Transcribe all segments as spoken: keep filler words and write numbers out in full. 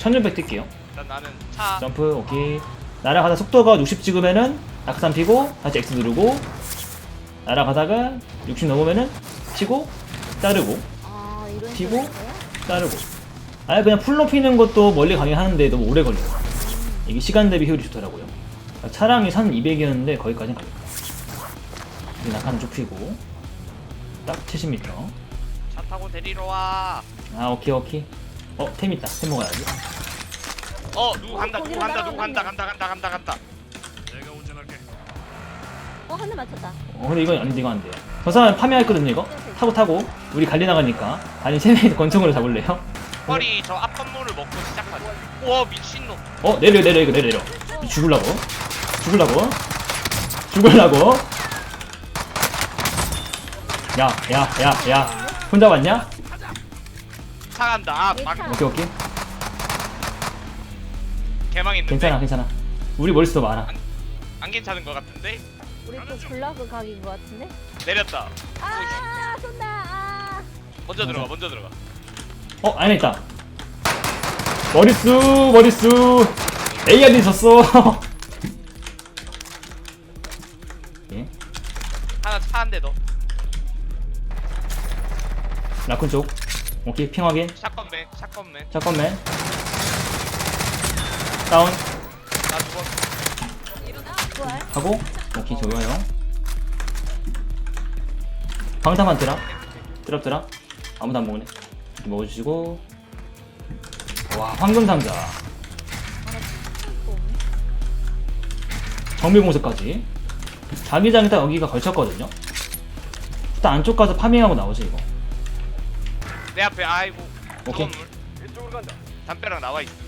천육백 뛸게요. 일단 나는 차. 점프 오케이. 날아가다 속도가 육십 찍으면은 낙하산 피고 다시 X 누르고 날아가다가 육십 넘으면은 치고 자르고 아 이런 피고? 식으로요? 자르고. 아예 그냥 풀로 피는 것도 멀리 가긴 하는데 너무 오래 걸려요. 이게 시간 대비 효율이 좋더라고요. 차량이 산 이백이었는데 거기까지는 가겠다. 낙하산 쭉 피고 딱 칠십 미터. 차 타고 데리러 와. 아 오케이 오케이. 어 템 있다. 템 먹어야지. 어 누구 간다 누구 거기로 간다 누구 간다 날아가네. 간다 간다 간다 간다. 내가 운전할게. 어 한 대 맞췄다. 어 근데 이건 아닌데 이거 안 돼요. 저 사람 파밍했거든요 이거. 타고 타고 우리 갈리 나가니까. 아니 세 명이 권총으로 잡을래요? 펄이 저 앞 건물을 먹고 시작하지. 우와 미친놈. 어 내려 내려 이거 내려 내려. 죽을라고? 죽을라고? 죽을라고? 야 야 야 야 혼자 왔냐? 차 간다. 아 막, 오케이 오케이. 개망했는데. 괜찮아 괜찮아. 우리 머릿수도 많아. 안 괜찮은 것 같은데. 우리 또 블라그 각인 것 같은데? 내렸다. 아 쏜다. 아. 먼저 들어가 먼저 들어가. 어 안에 있다. 머릿수 머릿수 에이알이 졌어. 예. 하나 차 한 대 더. 라쿤 쪽. 오케이 핑 확인. 샷건맨 샷건맨. 잠깐만. 다운 나 죽었어. 부활. 하고 오케이 좋아요. 방탄만 드랍 드랍 드랍 아무도 안 먹네. 이렇게 먹어주시고. 와 황금 상자 정비공습까지. 자기장이 딱 여기가 걸쳤거든요. 일단 안쪽 가서 파밍하고 나오지 이거. 내 앞에 아이고. 오케이. 건물. 이쪽으로 간다. 담벼락 나와 있어.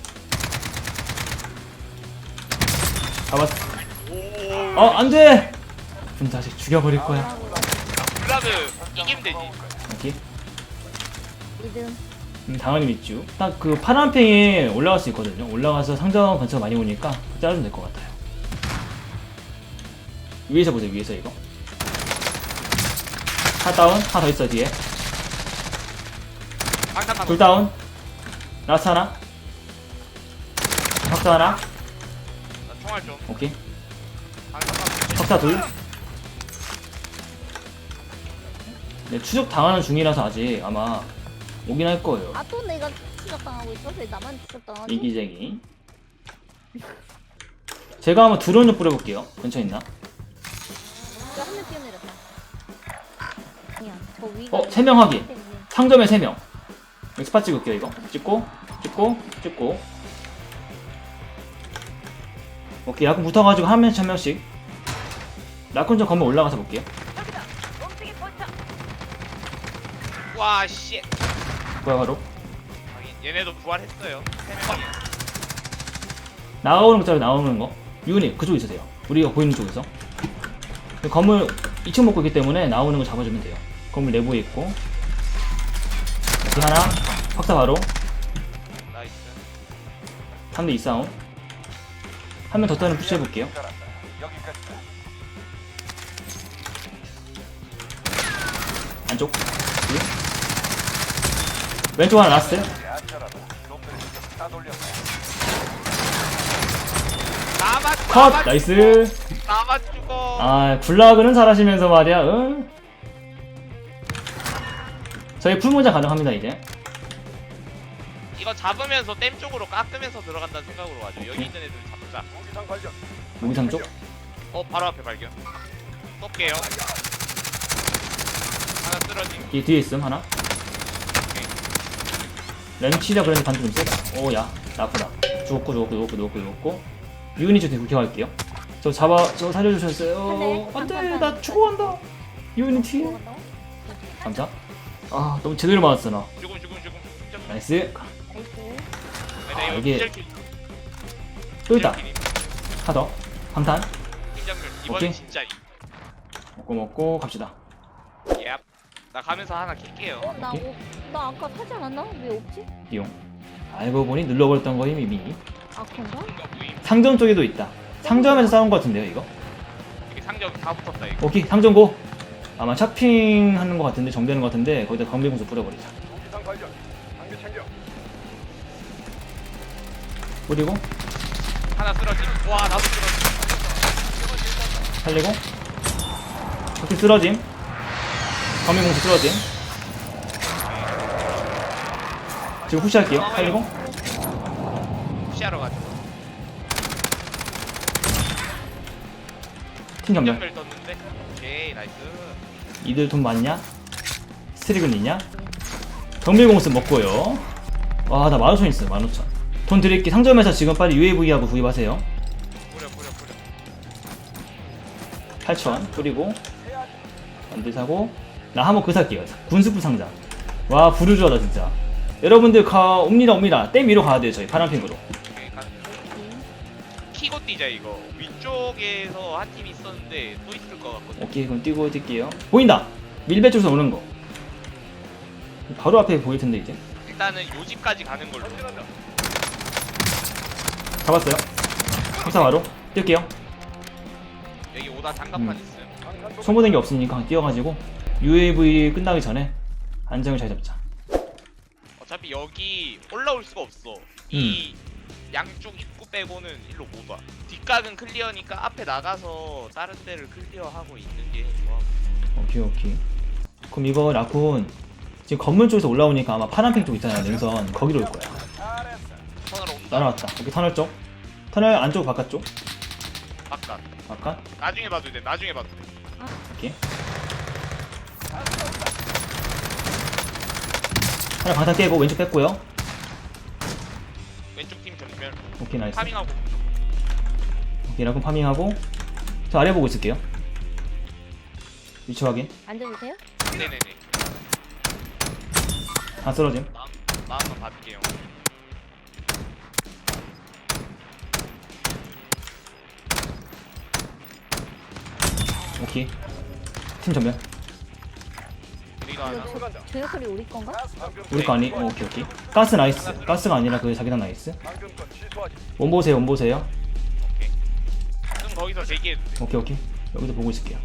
잡았어. 오. 어 안돼. 이 자식 죽여버릴 거야. 블라드 이기면 되지. 오케이. 이등. 음, 당연히 믿죠. 딱 그 파란 팽에 올라갈 수 있거든요. 올라가서 상점 근처 많이 오니까 자르면 될 것 같아요. 위에서 보세요. 위에서 이거. 하나 다운. 하나 더 있어 뒤에. 방탄 둘 다운. 라스트 하나. 석사 하나. 나 총알 좀. 오케이. 방탄 석사 둘. 네, 추적 당하는 중이라서 아직 아마 오긴 할 거예요. 아 또 내가 추적당하고 있어? 왜 나만 추적당하지? 이기쟁이. 제가 한번 드론을 뿌려볼게요. 근처에 있나? 한명 뛰어내렸다. 아니야 저 위가. 어, 세 명 확인. 때문에. 상점에 세 명. 여기 스팟 찍을게요, 이거. 찍고, 찍고, 찍고. 오케이, 라쿤 붙어가지고 한 명씩 한 명씩. 라쿤 저 건물 올라가서 볼게요. 와 씨. 뭐야, 바로. 얘네도 부활했어요. 세 명이. 나오는 것처럼 나오는 거. 유니, 그쪽에 있으세요. 우리가 보이는 쪽에서. 건물 이 층 먹고 있기 때문에 나오는 거 잡아주면 돼요. 건물 내부에 있고. 오케이, 하나. 확사 바로. 나이스. 삼 대 이 싸움. 한 명 더 떠는 푸시해볼게요. 안쪽. 둘. 왼쪽 하나 라스트. 나만 컷! 나만 나이스. 죽어. 나만 죽어. 아, 굴락은 잘하시면서 말이야, 응? 저희 풀모자 가능합니다, 이제. 이거 잡으면서 댐 쪽으로 깎으면서 들어간다는 생각으로 가죠. 여기 오케이. 있는 애들 잡자. 무기상 쪽. 어 바로 앞에 발견. 쏠게요. 하나 쓰러진. 이 뒤에 있음, 하나. 렌치라 그래서 반대 좀 세다. 오, 야, 나쁘다. 죽었고, 죽었고, 죽었고, 죽었고, 죽었고. 유니 저 대구 갈게요. 저 잡아, 저 살려주셨어요. 안 돼, 나 죽어간다. 유니 뒤에. 들어간다고? 감사. 아, 너무 제대로 맞았어, 나. 죽음 죽음 죽음. 죽음. 나이스. 나이스. 아, 이게- 이게 기절킬. 또 있다. 기절킬임. 하나 더. 방탄. 팀장들 이번엔 오케이. 진짜. 먹고 먹고 갑시다. 예. 나 가면서 하나 킬게요. 어, 나, 오케이. 오, 나 아까 사지 않았나? 왜 없지? 이용. 알고 보니 눌러버렸던 거임 이미. 아 그런가? 뭔가 무임. 상점 쪽에도 있다. 상점에서 싸운 거 같은데요, 이거? 이게 상점 다 붙었다 이거. 오케이, 상점 고. 아마 샤핑하는 거 같은데, 정비하는 거 같은데 거기다 검비공수 뿌려버리자. 뿌리고 하나 쓰러짐. 와 나도 쓰러짐. 살리고 적팀 쓰러짐. 범위공수 쓰러짐. 지금 푸시할게요. 살리고 푸시하러 가죠. 팀 전멸. 전멸 떴는데. 오케이 나이스. 이들 돈 많냐? 스트릭은 있냐? 정밀공수 먹고요. 와, 나 만 오천 있어요. 만 오천. 돈 드릴게. 상점에서 지금 빨리 유에이브이하고 구입하세요. 뿌려 뿌려 뿌려. 팔천 뿌리고 만들 사고. 나 한번 그 살게요. 군수부 상자. 와, 부르주하다 진짜. 여러분들 가 옵니다 옵니다. 댐 위로 가야 돼요. 저희 파란핑으로. 오케이 가는 중. 키고 뛰자 이거. 위쪽에서 한 팀 있었는데 또 있을 것 같거든. 오케이, 그럼 뛰고 뛸게요. 보인다. 밀배 쪽에서 오는 거. 바로 앞에 보일 텐데 이제. 일단은 요 집까지 가는 걸로. 잡았어요. 회사 바로 뛸게요. 여기 오다 장갑판 음. 있음. 소모된 게 없으니까 뛰어가지고 유에이브이 끝나기 전에 안정을 잘 잡자. 어차피 여기 올라올 수가 없어. 이 양쪽 입구 빼고는 일로 못 와. 뒷각은 클리어니까 앞에 나가서 다른 데를 클리어하고 있는 게 좋아. 오케이 오케이. 그럼 이거 라쿤 지금 건물 쪽에서 올라오니까 아마 파란핑 쪽 있잖아요. 능선 거기로 올 거야. 터널 온다. 날아왔다. 여기 터널 쪽. 터널 안쪽 바깥쪽. 바깥. 바깥. 나중에 봐도 돼. 나중에 봐도 돼. 오케이. 하나 방탄 깨고 왼쪽 뺐고요. 왼쪽 팀 전멸. 오케이 나이스. 파밍하고. 오케이 라쿤 파밍하고. 저 아래 보고 있을게요. 위치 확인. 앉아도 돼요? 네네네. 다 쓰러짐. 나 나한번 받을게요. 오케이. 팀 전멸. 우리가 하나. 이거 저, 저 역할이 우리 건가? 우리 거 아니? 어, 오케이 오케이. 가스 나이스. 가스가 아니라 그 자기장 나이스. 원 보세요. 원 보세요. 오케이. 그럼 거기서 대기해도 돼. 오케이 오케이. 여기서 보고 있을게요.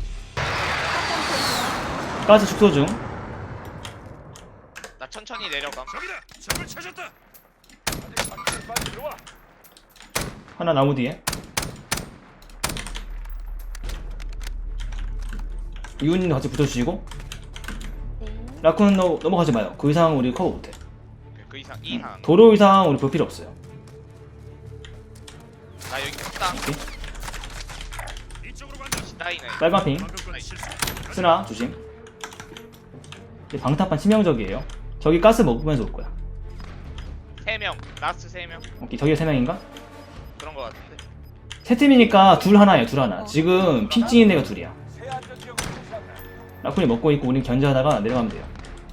가스 축소 중. 나 천천히 내려감. 하나 나무 뒤에. 이훈님도 같이 붙어주시고. 네. 라쿤 너 넘어가지 마요. 그 이상 우리 커버 못해. 오케이, 그 이상 이 이상. 도로 이상 우리 볼 필요 없어요. 나 여기 딱. 오케이. 따이네. 빨간 핑. 쓰나 조심. 이 방탄판 치명적이에요. 저기 가스 먹으면서 올 거야. 세 명. 라스트 세 명. 오케이 저기 세 명인가? 그런 거 같은데. 세 팀이니까 둘 하나예요. 둘 하나. 지금 핑 찍인 애가 둘이야. 라쿤이 먹고 있고 우린 견제하다가 내려가면 돼요.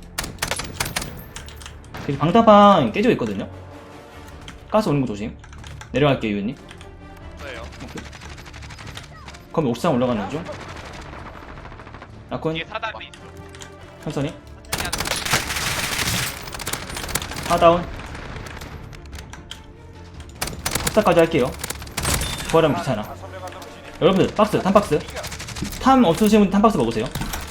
여기 방탄판 깨지고 있거든요. 가스 오는 거 조심. 내려갈게요 유현님. 없어요. 그럼 옥상 올라가는 중. 라쿤 뒤에 사다리 있어. 천천히. 천천히 하는 하다운. 합사까지 할게요. 부활하면 귀찮아. 여러분들 박스 탐박스 탐 없으신 분 탐박스 먹으세요.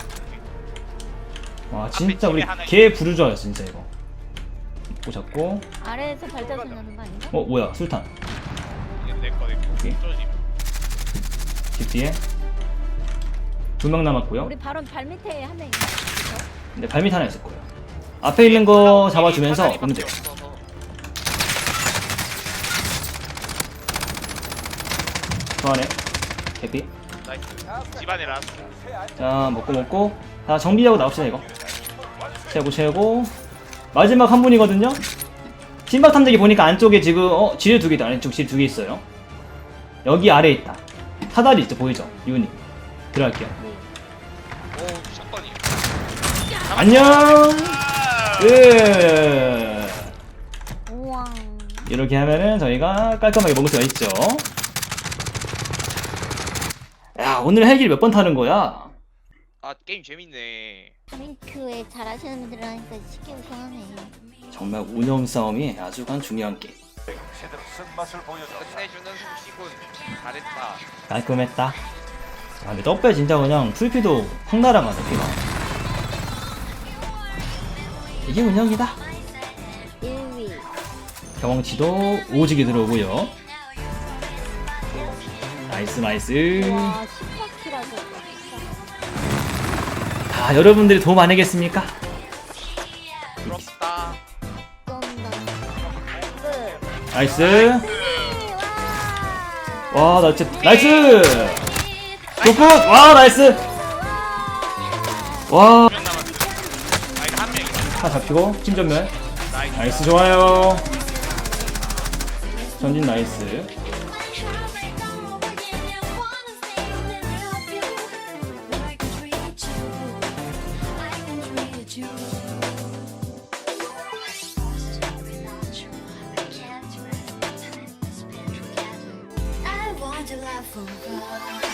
와 진짜 우리 개 부르줘요 진짜 이거. 고 잡고. 아래에서 발자국 나는 거 아닌가? 어 뭐야 술탄. 이게 내거 내거. 오케이. 쪼집. 집 뒤에 두 명 남았고요. 우리 바로 발 밑에 한 명 있어. 근데 발밑 하나 있을 거예요. 앞에 있는 거 잡아주면서 오면 돼요. 저 안에 개피. 나이스. 집안에 라스트. 자 먹고 먹고 다 정비하고 나옵시다 이거. 채고 채고 마지막 한 분이거든요. 신박 탐지기 보니까 안쪽에 지금 어 지뢰 두 개 있다. 안쪽 지뢰 두 개 있어요. 여기 아래에 있다. 사다리 있죠 보이죠 유님. 들어갈게요. 네. 오 샷건이. 안녕. 아! 예. 우와. 이렇게 하면은 저희가 깔끔하게 먹을 수가 있죠. 야 오늘 헬기를 몇 번 타는 거야? 아 게임 재밌네. 파밍크에 잘하시는 분들 하니까 쉽게 우승하네. 정말 운영 싸움이 아주 간 중요한 게임. 끝내주는 솜씨군. 잘했다. 깔끔했다. 아 근데 떡배 진짜 그냥 풀피도 확 날아가네 피가. 이게 운영이다. 일 위. 경험치도 오지게 들어오고요. 나이스 나이스. 와 십사 킬하고. 다 여러분들이 도움 아니겠습니까? 부럽다. 쏜다. 끝. 나이스. 와, 나 진짜 나이스. 굿굿. 와, 나이스. 와, 명 남았어. 아 이거 한 명이다. 하나 잡히고 팀 전멸. 나이스. 나이스 좋아요. 전진 나이스. I want to laugh forever.